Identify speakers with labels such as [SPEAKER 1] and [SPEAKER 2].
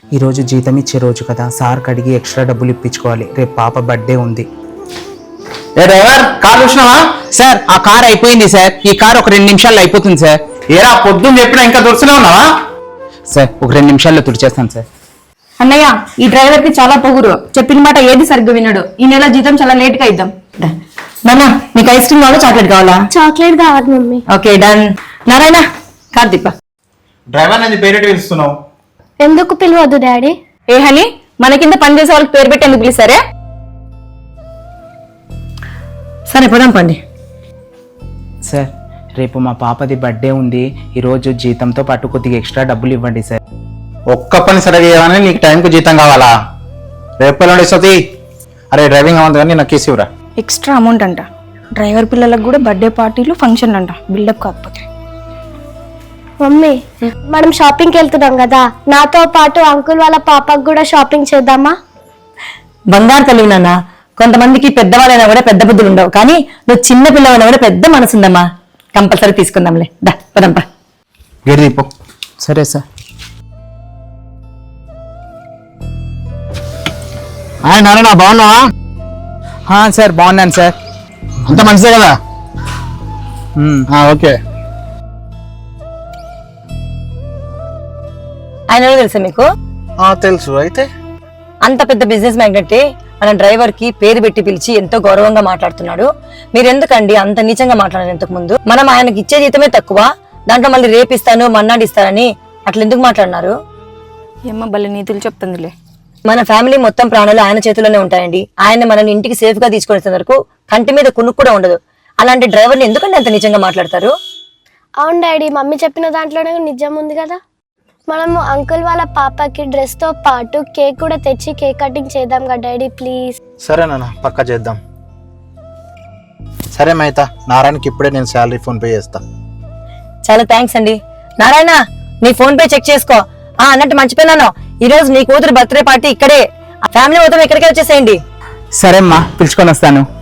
[SPEAKER 1] ఈరోజు జీతం ఇచ్చే రోజు కదా, సార్కి అడిగి ఎక్స్ట్రా డబ్బులు ఇప్పించుకోవాలి. రేపు పాప బర్త్డే ఉంది.
[SPEAKER 2] ఏ డ్రైవర్, కార్ చూసినావా?
[SPEAKER 1] సార్ ఆ కార్ అయిపోయింది సార్. ఈ కార్ ఒక 2 నిమిషాల్లో అయిపోతుంది సార్.
[SPEAKER 2] ఏరా పొద్దున్న చెప్పినా ఇంకా దొరుకుతూనే ఉన్నావా?
[SPEAKER 1] సార్ ఒక 2 నిమిషాల్లో తుడిచేస్తాను సార్.
[SPEAKER 3] అన్నయ్య, ఈ డ్రైవర్ కి చాలా పొగురు. చెప్పిన మాట ఏది సరిగ్గా వినడు. ఈ నెల జీతం చాలా లేట్ గా ఇద్దాం. నాన్న, నీకు ఐస్ క్రీమ్ కావాలా, చాక్లెట్ కావాలా?
[SPEAKER 4] చాక్లెట్ కావాలి మమ్మీ.
[SPEAKER 3] Okay done. నారాయణ, కార్దీప.
[SPEAKER 2] డ్రైవర్ అనేది పేరెట్ పిలుస్తున్నావు?
[SPEAKER 4] ఎందుకు పిలవద్దు డాడీ?
[SPEAKER 3] ఏ హని, మన కింద పనిచేసే వాళ్ళకి పేరు పెట్టి ఎందుకు పిలిచారే? సరే పోదాం పండి.
[SPEAKER 1] సార్ రేపు మా పాపది బర్త్డే ఉంది. ఈరోజు జీతంతో పాటు కొద్దిగా ఎక్స్ట్రా డబ్బులు ఇవ్వండి సార్.
[SPEAKER 2] ఒక్క పని సరిగా చేయమని నీకు టైంకు జీతం కావాలా? రేపు ఎల్లుండి ఇస్తుంది. అరే డ్రైవింగ్ అవ్వదు కానీ నాకు కేసు ఇవ్వరా.
[SPEAKER 5] ఎక్స్ట్రా అమౌంట్ అంట. డ్రైవర్ పిల్లలకు కూడా బర్త్డే పార్టీలు ఫంక్షన్ అంట. బిల్డప్ కాకపోతే.
[SPEAKER 4] మమ్మీ, మనం షాపింగ్కి వెళ్తున్నాం కదా, నాతో పాటు అంకుల్ వాళ్ళ పాపకు కూడా షాపింగ్ చేద్దామా?
[SPEAKER 3] బంగారు తల్లి నాన్న. కొంతమందికి పెద్దవాళ్ళైనా కూడా పెద్ద బుద్ధులు ఉండవు, కానీ నువ్వు చిన్న పిల్లవైనా కూడా పెద్ద మనసు ఉందమ్మా. కంపల్సరీ తీసుకుందాంలే. దా పదంపా.
[SPEAKER 2] గేట్ దీపో.
[SPEAKER 1] సరే సార్.
[SPEAKER 2] నారాయణ, బాగున్నావా?
[SPEAKER 1] సార్ బాగున్నాను సార్.
[SPEAKER 2] అంత మంచిదే కదా? ఓకే.
[SPEAKER 3] ఆయన ఎవరో తెలుసా మీకు?
[SPEAKER 2] తెలుసు. అయితే
[SPEAKER 3] అంత పెద్ద బిజినెస్ మ్యాగ్నెట్ మన డ్రైవర్ కి పేరు పెట్టి పిలిచి ఎంతో గౌరవంగా మాట్లాడుతున్నాడు. మీరు ఎందుకండి అంత నీచంగా మాట్లాడారు? ఇంతకు ముందు మనం ఆయనకి ఇచ్చే జీతమే తక్కువ, దాంట్లో మళ్ళీ రేపిస్తాను మన్నాడిస్తానని అట్లా ఎందుకు మాట్లాడినారు?
[SPEAKER 5] ఏమో భలే నీతులు చెప్తుందిలే.
[SPEAKER 3] మన ఫ్యామిలీ మొత్తం ప్రాణాలు ఆయన చేతిలోనే ఉంటాయండి. ఆయన మనల్ని ఇంటికి సేఫ్ గా తీసుకొచ్చే వరకు కంటి మీద కునుకు కూడా ఉండదు. అలాంటి డ్రైవర్ని ఎందుకంటే అంత నిజంగా మాట్లాడతారు?
[SPEAKER 4] అవును డాడీ, మమ్మీ చెప్పిన దాంట్లోనే నిజం ఉంది కదా. మనము అంకుల్ వాళ్ళ పాపకి డ్రెస్ తో పాటు కేక్ కూడా తెచ్చి కేక్ కటింగ్ చేద్దాం కదా డాడీ, ప్లీజ్.
[SPEAKER 2] సరే నాన్న, పక్కా చేద్దాం. సరే మైతా, నారాయణకి ఇప్పుడే నేను శాలరీ ఫోన్ పే చేస్తా.
[SPEAKER 3] చాలా థ్యాంక్స్ అండి. నారాయణ, నీ ఫోన్ పే చెక్ చేసుకో. అన్నట్టు మర్చిపోయినాను, ఈ రోజు నీ కూతురు బర్త్డే పార్టీ ఇక్కడే. ఫ్యామిలీ మొత్తం ఇక్కడికే వచ్చేసేయండి.
[SPEAKER 1] సరే అమ్మా, పిలుచుకొని వస్తాను.